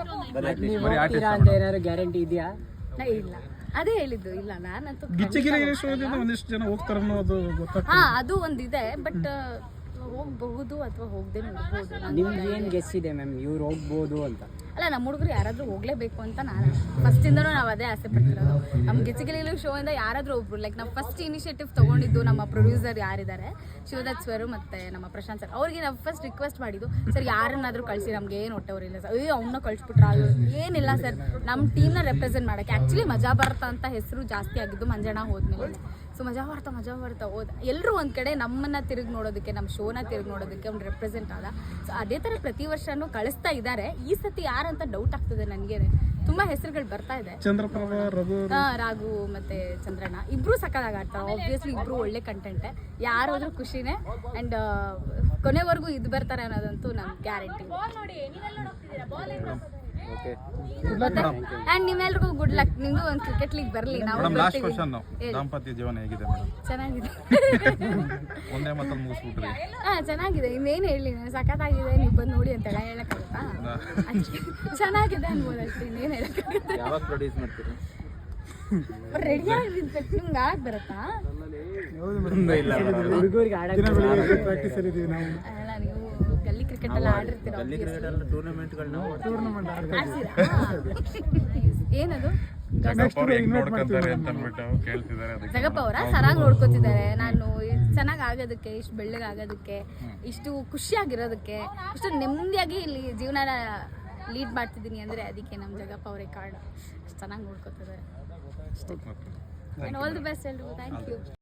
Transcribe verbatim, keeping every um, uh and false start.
ಏನಾದ್ರು ಗ್ಯಾರಂಟಿ ಇದೆಯಾ? ಇಲ್ಲ, ಅದೇ ಹೇಳಿದ್ದು. ಇಲ್ಲ, ನಾನಂತೂ ಗಿಚ್ಚಿಗಿರಿ ಶೋದಿಂದ ಒಂದಿಷ್ಟು ಜನ ಹೋಗ್ತಾರೆ ಅನ್ನೋದು ಗೊತ್ತಾಗ್ತದೆ. ಹಾ, ಅದು ಒಂದಿದೆ. ಬಟ್ ಹೋಗ್ಬಹುದು ಅಥವಾ ಹೋಗದೆ ನೋಡ್ಬೋದು. ನಿಮ್ಗೆ ಏನು ಗೆಸ್ ಇದೆ ಮ್ಯಾಮ್ ಇವ್ರು ಹೋಗ್ಬೋದು ಅಂತ? ಅಲ್ಲ, ನಮ್ಮ ಹುಡುಗರು ಯಾರಾದ್ರೂ ಹೋಗ್ಲೇಬೇಕು ಅಂತ ನಾನು ಫಸ್ಟಿಂದನೂ ನಾವು ಅದೇ ಆಸೆ ಪಡ್ತಿರೋದು. ನಮ್ಮ ಗಿಚ್ಚಿಗಿಲಿ ಶೋ ಇಂದ ಯಾರಾದ್ರೂ ಒಬ್ರು, ಲೈಕ್ ನಾವು ಫಸ್ಟ್ ಇನಿಷಿಯೇಟಿವ್ ತಗೊಂಡಿದ್ದು ನಮ್ಮ ಪ್ರೊಡ್ಯೂಸರ್ ಯಾರಿದ್ದಾರೆ ಶಿವದತ್ ಸರ್ ಮತ್ತೆ ನಮ್ಮ ಪ್ರಶಾಂತ್ ಸರ್, ಅವ್ರಿಗೆ ನಾವು ಫಸ್ಟ್ ರಿಕ್ವೆಸ್ಟ್ ಮಾಡಿದ್ದು, ಸರ್ ಯಾರನ್ನಾದ್ರೂ ಕಳಿಸಿ, ನಮ್ಗೆ ಏನು ಹೊಟ್ಟೆವ್ರಿಲ್ಲ ಸರ್, ಅಯ್ಯೋ ಅವನ್ನ ಕಳಿಸ್ಬಿಟ್ರ ಏನಿಲ್ಲ ಸರ್, ನಮ್ಮ ಟೀಮ್ನ ರೆಪ್ರೆಸೆಂಟ್ ಮಾಡೋಕ್ಕೆ. ಆ್ಯಕ್ಚುಲಿ ಮಜಾ ಭಾರತ ಅಂತ ಹೆಸರು ಜಾಸ್ತಿ ಆಗಿದ್ದು ಮಂಜಣ್ಣ ಹೋದ್ಮೇಲೆ. ಸೊ ಮಜಾ ಭಾರತ ಮಜಾ ಭಾರತ ಹೋದ ಎಲ್ಲರೂ ಒಂದು ಕಡೆ ನಮ್ಮನ್ನು ತಿರುಗಿ ನೋಡೋದಕ್ಕೆ, ನಮ್ಮ ಶೋನ ತಿರುಗಿ ನೋಡೋದಕ್ಕೆ ಒಂದು ರೆಪ್ರೆಸೆಂಟ್ ಆದ. ಸೊ ಅದೇ ಥರ ಪ್ರತಿ ವರ್ಷನೂ ಕಳಿಸ್ತಾ ಇದ್ದಾರೆ. ಈ ಸತಿ ಯಾರಂತ ಡೌಟ್ ಆಗ್ತದೆ ನನಗೆ. ತುಂಬ ಹೆಸರುಗಳು ಬರ್ತಾ ಇದೆ. ಚಂದ್ರಪ್ರಭಾ, ರಘು, ರಾಘು ಮತ್ತೆ ಚಂದ್ರಣ್ಣ ಇಬ್ರು ಸಕ್ಕದಾಗಿ ಆಡ್ತಾರೆ. ಆಬ್ವಿಯಸ್ಲಿ ಇಬ್ರು ಒಳ್ಳೆ ಕಂಟೆಂಟೆ, ಯಾರಾದ್ರೂ ಖುಷಿನೇ. ಆ್ಯಂಡ್ ಕೊನೆವರೆಗೂ ಇದು ಬರ್ತಾರೆ ಅನ್ನೋದಂತೂ ನಮ್ಗೆ ಗ್ಯಾರಂಟಿ. ಆ್ಯಂಡ್ ನಿಮ್ಮೆಲ್ರಿಗೂ ಗುಡ್ ಲಕ್. ನಿಮ್ದು ಒಂದು ಕ್ರಿಕೆಟ್ ಲೀಗ್ ಬರಲಿ. ನಾವು ದಾಂಪತ್ಯ ಜೀವನ ಹೇಗಿದೆ ಮೇಡಮ್? ಚೆನ್ನಾಗಿದೆ. ಒಂದೇ ಮಾತಲ್ಲಿ ಮುಗಿಸ್ಬಿಟ್ರಿ. ಹಾ, ಚೆನ್ನಾಗಿದೆ. ಇನ್ನೇನು ಹೇಳಿ, ಸಖತ್ತಾಗಿದೆ, ನೀವು ಬಂದು ನೋಡಿ ಅಂತ ಹೇಳಕ್ಕಾಗುತ್ತಾ? ಚೆನ್ನಾಗಿದೆ ಅನ್ಬೋದು ಅಷ್ಟೇ, ಇನ್ನೇನು ಹೇಳಕ್ಕಾಗುತ್ತೆ. ಯಾವಾಗ ಪ್ರೊಡ್ಯೂಸ್ ಮಾಡ್ತೀರಿ? ರೆಡಿ ಆಗಿರ್ಬೇಕು. ನಿಮ್ಗೆ ಆಗ ಬರುತ್ತಾ? ಹುಡುಗರಿಗೆ ಆಡಕ್ಕೆ ಪ್ರಾಕ್ಟೀಸ್ ಇದೀವಿ ನಾವು. ಅಲ್ಲ, ನೀವು ಗಲ್ಲಿ ಕ್ರಿಕೆಟ್ ಎಲ್ಲ ಆಡಿರ್ತೀರ. ಏನದು? ಜಗಪ್ಪ ಅವರ ಸರಾಗ್ ನೋಡ್ಕೋತಿದ್ದಾರೆ. ನಾನು ಚೆನ್ನಾಗಿ ಆಗೋದಕ್ಕೆ, ಇಷ್ಟು ಬೆಳ್ಳಗೆ ಆಗೋದಕ್ಕೆ, ಇಷ್ಟು ಖುಷಿಯಾಗಿರೋದಕ್ಕೆ, ಇಷ್ಟು ನೆಮ್ಮದಿಯಾಗಿ ಇಲ್ಲಿ ಜೀವನ ಲೀಡ್ ಮಾಡ್ತಿದ್ದೀನಿ ಅಂದರೆ ಅದಕ್ಕೆ ನಮ್ಮ ಜಗಪ್ಪ ಅವರೇ ಕಾರಣ. ಚೆನ್ನಾಗಿ ನೋಡ್ಕೋತಿದ್ದಾರೆ ಅಷ್ಟೇ. ಆಲ್ ದಿ ಬೆಸ್ಟ್ ಎಲ್ರಿಗೂ. Thank you.